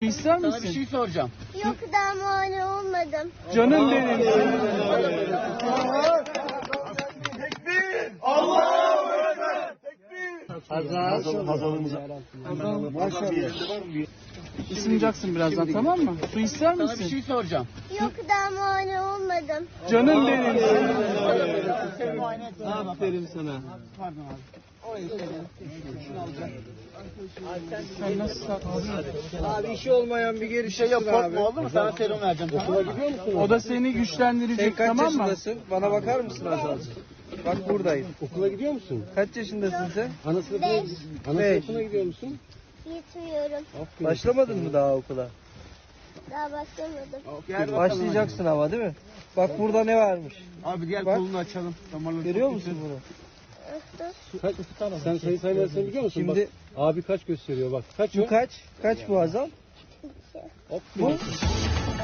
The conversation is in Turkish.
İster misin? Sana bir şey soracağım. Yok, daha muayene olmadım. Canım benim. Isınacaksın birazdan, tamam mı? Su ister Sana bir misin? şey soracağım. Yok, daha muayene olmadım. Canım benim. Aferin sana. Pardon abi. Sen nasıl saklısın? Abi işi olmayan bir geri Şey yok, korkma, oldu mu? Sana serum vereceğim. Okula gidiyor musun? O da seni Sen güçlendirecek, kaç tamam mı? yaşındasın? Bana bakar mısın Azal? Bak buradayım. Okula gidiyor musun? Kaç yaşındasın sen? Ana sınıfına, Beş. ana Beş. sınıfına gidiyor musun? Gitmiyorum. Aferin. Başlamadın mı daha okula? Daha başlamadım. Başlayacaksın ama değil mi? Bak burada ne varmış? Abi diğer Bak. kolunu açalım. Damarları Görüyor çok musun bunu? Kaç, sen sayı saymasını biliyor musun? Şimdi- Bak, abi kaç gösteriyor bak. Kaç Bu o? kaç? Kaç bu Azal? Bu?